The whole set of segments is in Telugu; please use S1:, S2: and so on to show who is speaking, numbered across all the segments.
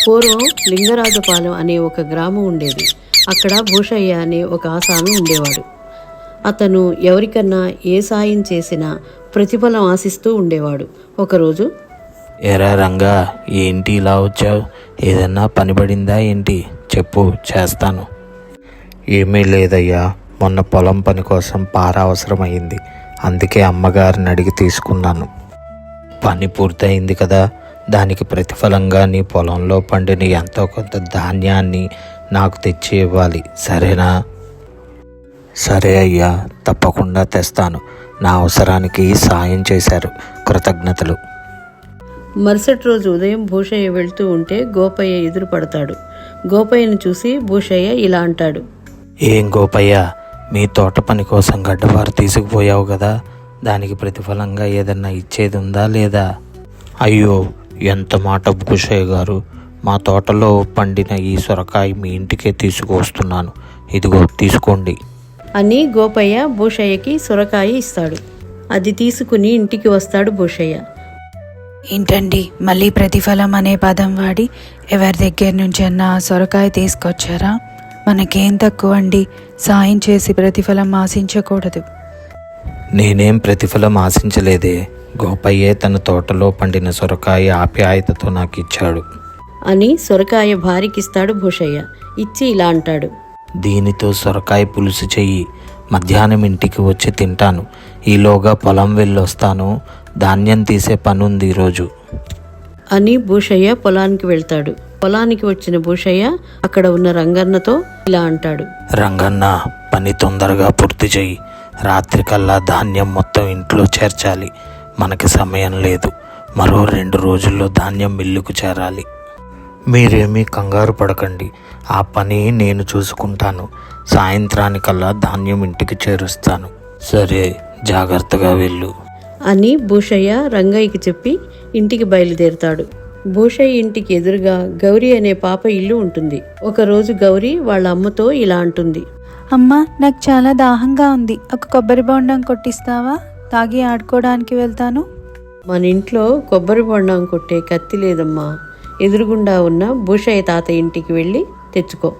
S1: పూర్వం లింగరాజపాలెం అనే ఒక గ్రామం ఉండేది. అక్కడ భూషయ్య అనే ఒక ఆసామి ఉండేవాడు. అతను ఎవరికన్నా ఏ సాయం చేసినా ప్రతిఫలం ఆశిస్తూ ఉండేవాడు. ఒకరోజు,
S2: ఎరా రంగా, ఏంటి ఇలా వచ్చావు? ఏదన్నా పని పడిందా ఏంటి? చెప్పు, చేస్తాను. ఏమీ లేదయ్యా, మొన్న పొలం పని కోసం పార అవసరమైంది. అందుకే అమ్మగారిని అడిగి తీసుకున్నాను. పని పూర్తయింది కదా, దానికి ప్రతిఫలంగా నీ పొలంలో పండిన ఎంతో కొంత ధాన్యాన్ని నాకు తెచ్చి ఇవ్వాలి, సరేనా? సరే అయ్యా, తప్పకుండా తెస్తాను. నా అవసరానికి సాయం చేశారు, కృతజ్ఞతలు.
S1: మరుసటి రోజు ఉదయం భూషయ్య వెళ్తూ ఉంటే గోపయ్య ఎదురు పడతాడు. గోపయ్యను చూసి భూషయ్య ఇలా అంటాడు,
S2: ఏం గోపయ్య, మీ తోట పని కోసం గడ్డపార తీసుకుపోయావు కదా, దానికి ప్రతిఫలంగా ఏదన్నా ఇచ్చేది ఉందా లేదా? అయ్యో, ఎంత మాట భూషయ్య గారు, మా తోటలో పండిన ఈ సొరకాయ మీ ఇంటికే తీసుకువస్తున్నాను, ఇదిగో తీసుకోండి
S1: అని గోపయ్య భూషయ్యకి సొరకాయ ఇస్తాడు. అది తీసుకుని ఇంటికి వస్తాడు భూషయ్య.
S3: ఏంటండి, మళ్ళీ ప్రతిఫలం అనే పదం వాడి ఎవరి దగ్గర నుంచి అన్నా సొరకాయ తీసుకొచ్చారా? మనకేం తక్కువ అండి, సాయం చేసి ప్రతిఫలం ఆశించకూడదు.
S2: నేనేం ప్రతిఫలం ఆశించలేదే, గోపయ్యే తన తోటలో పండిన సొరకాయ ఆప్యాయతతో నాకు ఇచ్చాడు
S1: అని సొరకాయ భార్యకిస్తాడు భూషయ్య. ఇచ్చి ఇలా అంటాడు,
S2: దీనితో సొరకాయ పులుసు చెయ్యి, మధ్యాహ్నం ఇంటికి వచ్చి తింటాను. ఈలోగా పొలం వెళ్ళొస్తాను, ధాన్యం తీసే పనుంది ఈరోజు
S1: అని భూషయ్య పొలానికి వెళ్తాడు. పొలానికి వచ్చిన భూషయ్య అక్కడ ఉన్న రంగన్నతో ఇలా అంటాడు,
S2: రంగన్న, పని తొందరగా పూర్తి చెయ్యి, రాత్రికల్లా ధాన్యం మొత్తం ఇంట్లో చేర్చాలి. మనకి సమయం లేదు, మరో 2 రోజుల్లో ధాన్యం మిల్లుకు చేరాలి. మీరేమీ కంగారు పడకండి, ఆ పని నేను చూసుకుంటాను. సాయంత్రానికల్లా ధాన్యం ఇంటికి చేరుస్తాను. సరే, జాగ్రత్తగా వెళ్ళు
S1: అని భూషయ్య రంగయ్యకి చెప్పి ఇంటికి బయలుదేరుతాడు. భూషయ్య ఇంటికి ఎదురుగా గౌరీ అనే పాప ఇల్లు ఉంటుంది. ఒకరోజు గౌరీ వాళ్ళ అమ్మతో ఇలా అంటుంది,
S3: అమ్మా, నాకు చాలా దాహంగా ఉంది, ఒక కొబ్బరి బొండం కొట్టిస్తావా? తాగి ఆడుకోవడానికి వెళ్తాను.
S1: మన ఇంట్లో కొబ్బరి బొండం కొట్టే కత్తి లేదమ్మా, ఎదురుగుండా ఉన్న భూషయ్య తాత ఇంటికి వెళ్ళి తెచ్చుకో.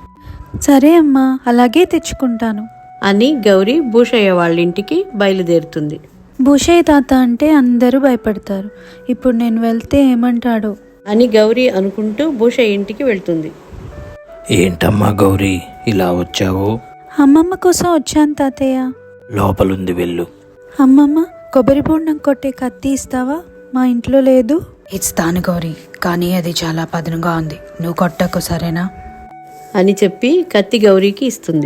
S3: సరే అమ్మా, అలాగే తెచ్చుకుంటాను
S1: అని గౌరీ భూషయ్య వాళ్ళ ఇంటికి బయలుదేరుతుంది.
S3: భూషయ్య తాత అంటే అందరూ భయపడతారు. ఇప్పుడు నేను వెళ్తే ఏమంటాడో
S1: అని గౌరీ అనుకుంటూ భూషయ్య ఇంటికి వెళ్తుంది.
S2: ఏంటమ్మా గౌరీ, ఇలా వచ్చావు?
S3: అమ్మమ్మ కోసం వచ్చాను తాతయ్య.
S2: లోపలుంది, వెళ్ళు.
S3: అమ్మమ్మ, కొబ్బరి బొండం కొట్టే కత్తి ఇస్తావా? మా ఇంట్లో లేదు. ఇస్తాను గౌరీ, కానీ అది చాలా పదునుగా ఉంది, నువ్వు కొట్టకు, సరేనా?
S1: అని చెప్పి కత్తి గౌరీకి ఇస్తుంది.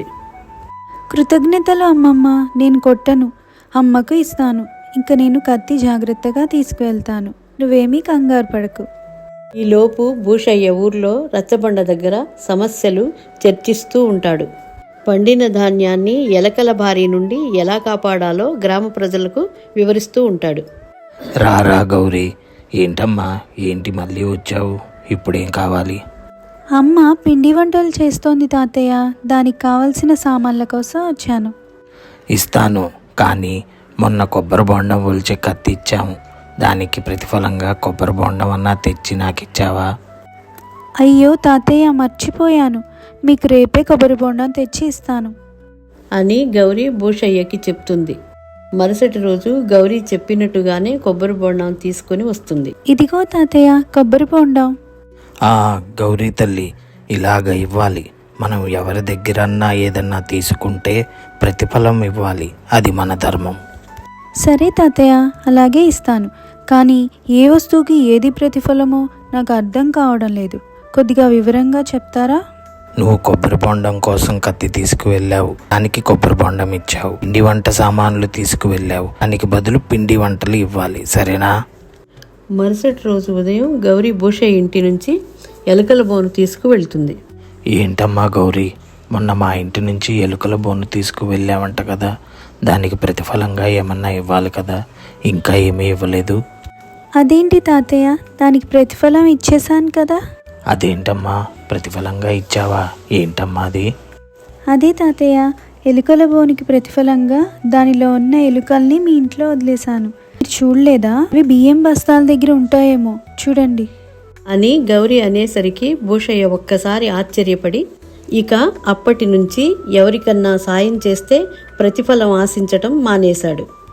S3: కృతజ్ఞతలు అమ్మమ్మ, నేను కొట్టను, అమ్మకు ఇస్తాను. ఇంక నేను కత్తి జాగ్రత్తగా తీసుకువెళ్తాను, నువ్వేమీ కంగారు పడకు.
S1: ఈలోపు భూషయ్య ఊర్లో రచ్చబండ దగ్గర సమస్యలు చర్చిస్తూ ఉంటాడు. పండిన ధాన్యాన్ని ఎలకల బారి నుండి ఎలా కాపాడాలో గ్రామ ప్రజలకు వివరిస్తూ ఉంటాడు.
S2: రారా గౌరీ, ఏంటమ్మా, ఏంటి మళ్ళీ వచ్చావు? ఇప్పుడేం కావాలి?
S3: అమ్మ పిండి వంటలు చేస్తోంది తాతయ్య, దానికి కావలసిన సామాన్ల కోసం వచ్చాను.
S2: ఇస్తాను, కానీ మొన్న కొబ్బరి బొండం ఒలిచే కత్తి ఇచ్చాము, దానికి ప్రతిఫలంగా కొబ్బరి బొండం అన్నా తెచ్చి నాకు ఇచ్చావా?
S3: అయ్యో తాతయ్య, మర్చిపోయాను, మీకు రేపే కొబ్బరి బొండం తెచ్చి ఇస్తాను
S1: అని గౌరీ భూషయ్యకి చెప్తుంది. మరుసటి రోజు గౌరీ చెప్పినట్టుగానే కొబ్బరి బొండం తీసుకుని వస్తుంది.
S3: ఇదిగో తాతయ్య, కొబ్బరి బొండం.
S2: గౌరీ తల్లి, ఇలాగ ఇవ్వాలి. మనం ఎవరి దగ్గరన్నా ఏదన్నా తీసుకుంటే ప్రతిఫలం ఇవ్వాలి, అది మన ధర్మం.
S3: సరే తాతయ్య, అలాగే ఇస్తాను. కానీ ఏ వస్తువుకి ఏది ప్రతిఫలమో నాకు అర్థం కావడం లేదు, కొద్దిగా వివరంగా చెప్తారా?
S2: నువ్వు కొబ్బరి బొండం కోసం కత్తి తీసుకువెళ్ళావు, దానికి కొబ్బరి బొండం ఇచ్చావు. పిండి వంట సామాన్లు తీసుకువెళ్ళావు, దానికి బదులు పిండి వంటలు ఇవ్వాలి, సరేనా?
S1: మరుసటి రోజు ఉదయం గౌరీ భూషయ్య ఇంటి నుంచి ఎలుకల బోను తీసుకువెళ్తుంది.
S2: ఏంటమ్మా గౌరీ, మొన్న మా ఇంటి నుంచి ఎలుకల బోను తీసుకువెళ్ళావంట కదా, దానికి ప్రతిఫలంగా ఏమన్నా ఇవ్వాలి కదా, ఇంకా ఏమీ ఇవ్వలేదు?
S3: అదేంటి తాతయ్య, దానికి ప్రతిఫలం ఇచ్చేశాను కదా.
S2: అదేంటమ్మా, ప్రతిఫలంగా ఇచ్చావా? ఏంటమ్మా అది?
S3: అదే తాతయ్య, ఎలుకల బోనికి ప్రతిఫలంగా దానిలో ఉన్న ఎలుకల్ని మీ ఇంట్లో వదిలేశాను. మీరు చూడలేదా? అవి బియ్యం బస్తాల దగ్గర ఉంటాయేమో, చూడండి.
S1: అని గౌరి అనేసరికి భూషయ్య ఒక్కసారి ఆశ్చర్యపడి ఇక అప్పటి నుంచి ఎవరికన్నా సాయం చేస్తే ప్రతిఫలం ఆశించటం మానేశాడు.